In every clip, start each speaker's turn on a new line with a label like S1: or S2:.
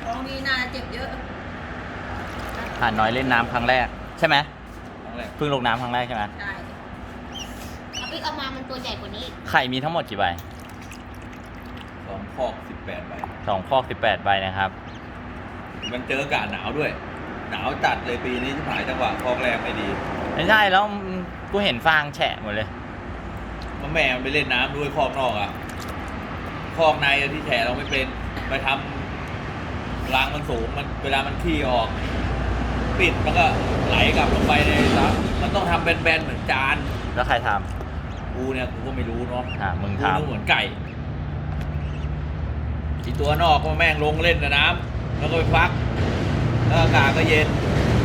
S1: ของมีน่าเจ็บเยอะ
S2: ห่านน้อยเล่นน้ำครั้งแรกใช่ไหม
S3: ครั้งแรก
S2: เพิ่งลงน้ำครั้งแรกใช่ไหม
S1: ใช่
S4: เอาไปเอามามันตัวใหญ่กว่านี้
S2: ไข่มีทั้งหมดกี่ใบ
S3: 2 คอก 18 ใบ
S2: 2 คอก 18 ใบนะครับ
S3: มันเจออากาศหนาวด้วย หนาวจัดเลยปีนี้ที่หายจังหวะคอกแรกไม่ดี
S2: ไม่ใช่แล้วกูเห็นฟางแฉะหมดเลย
S3: แม่มันไปเล่นน้ำด้วยคอกนอกอ่ะคอกในอะที่แฉเราไม่เป็นไปทำรางมันสูงมันเวลามันขี้ออก ปิดมันก็ไหลกลับลงไปในซับมันต้องทำแบนๆเหมือนจาน
S2: แล้วใครท
S3: กูเนี่ยกูก็ไม่รู้เนาะ
S2: มึง
S3: กู
S2: ท
S3: นึกเหมือนไก่ที่ตัวนอกก็แม่งลงเล่นในน้ำแล้วก็ไปพักแล้วอากาศก็เย็น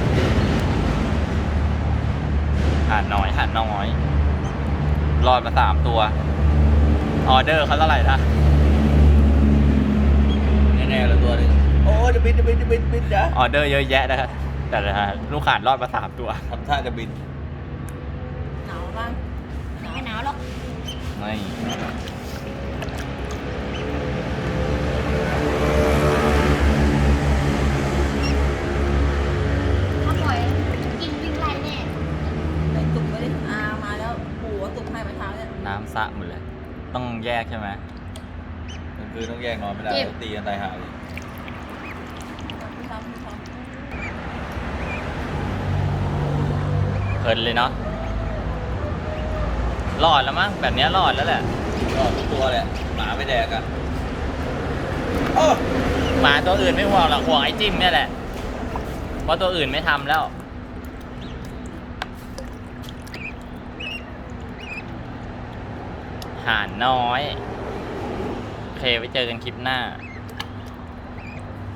S2: ำห่านน้อยรอดมา3 ตัว ออเดอร์เขาเท่าไหร่นะ
S3: แน่ๆแล้วตัวหนึงโอ้จะบินจ้ะ
S2: ออเดอร์เยอะแยะนะครับแต่ละลูกห่านรอดมา3 ตัว
S3: ทำท่าจะบิน
S1: หนาวบ้าง
S4: ไม่หนาวหรอก
S2: ไม่
S4: ถ้าปล่อยกินวิ่งไล่แน่
S1: ใส่ตุ่มไปดิมาแล้วปู่เอาตุ่มให้เมื่อเช้าเนี่ย
S2: น้ำสะหมดเลย ต้องแยกใช่ไหม
S3: มันคือต้องแยกนอนไม่ได้ตีกันตายหาเลย
S1: พี่ทำ
S2: เพลินเลยเนาะรอดแล้วมั้งแบบเนี้ยรอดแล้วแหละ
S3: ก็ทุกตัวแหละหมาไม่แดกอ่ะโอ้
S2: หมาตัวอื่นไม่ห่วงหรอกห่วงไอ้จิ้มเนี่ยแหละ เพราะตัวอื่นไม่ทำแล้ว ห่านน้อยโอเคไว้เจอกันคลิปหน้า